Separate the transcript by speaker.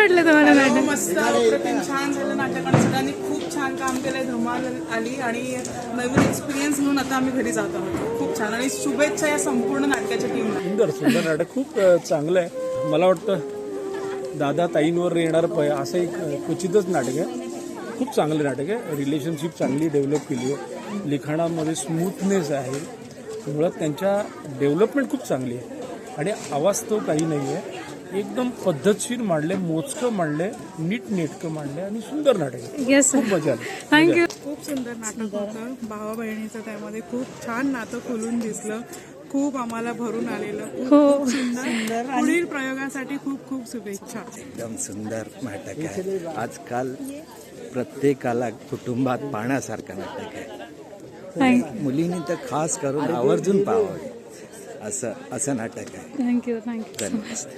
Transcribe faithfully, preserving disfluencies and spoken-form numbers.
Speaker 1: वाटलं तुम्हाला नाटक?
Speaker 2: मस्त अप्रतिम छान झालं नाटक आणि सगळ्यांनी खूप छान काम केलंय. धमाल आली आणि नवीन एक्सपिरियन्स म्हणून आता आम्ही घरी जात आहोत. खूप छान आणि शुभेच्छा या संपूर्ण नाटकाच्या टीमला.
Speaker 3: सुंदर सुंदर नाटक खूप अ, चांगलं आहे. मला वाटतं दादा ताईंवर येणार प असं एक क्वचितच नाटक आहे. खूप चांगलं नाटक आहे. रिलेशनशिप चांगली डेव्हलप केली आहे. लिखाणामध्ये स्मूथनेस आहे. मुळात त्यांच्या डेव्हलपमेंट खूप चांगली आहे आणि आवाज तो काही नाही आहे. एकदम पद्धतशीर मांडले, मोजकं मांडले, नीट नेटकं मांडले आणि सुंदर नाटक आहे.
Speaker 1: येस
Speaker 3: खूप मजा आली.
Speaker 1: थँक्यू.
Speaker 2: खूप सुंदर नाटक होतं. भावा बहिणीचं त्यामध्ये खूप छान नातं खोलून दिसलं. खूप आम्हाला भरून आलेलं. खूप सुंदर. पुढील प्रयोगासाठी खूप खूप शुभेच्छा.
Speaker 4: एकदम सुंदर नाटक आहे. आजकाल प्रत्येकाला कुटुंबात पाहण्यासारखं नाटक आहे. मुलींनी तर खास करून आवर्जून पाहावं असं असं नाटक आहे.
Speaker 1: थँक्यू थँक्यू
Speaker 4: धन्यवाद.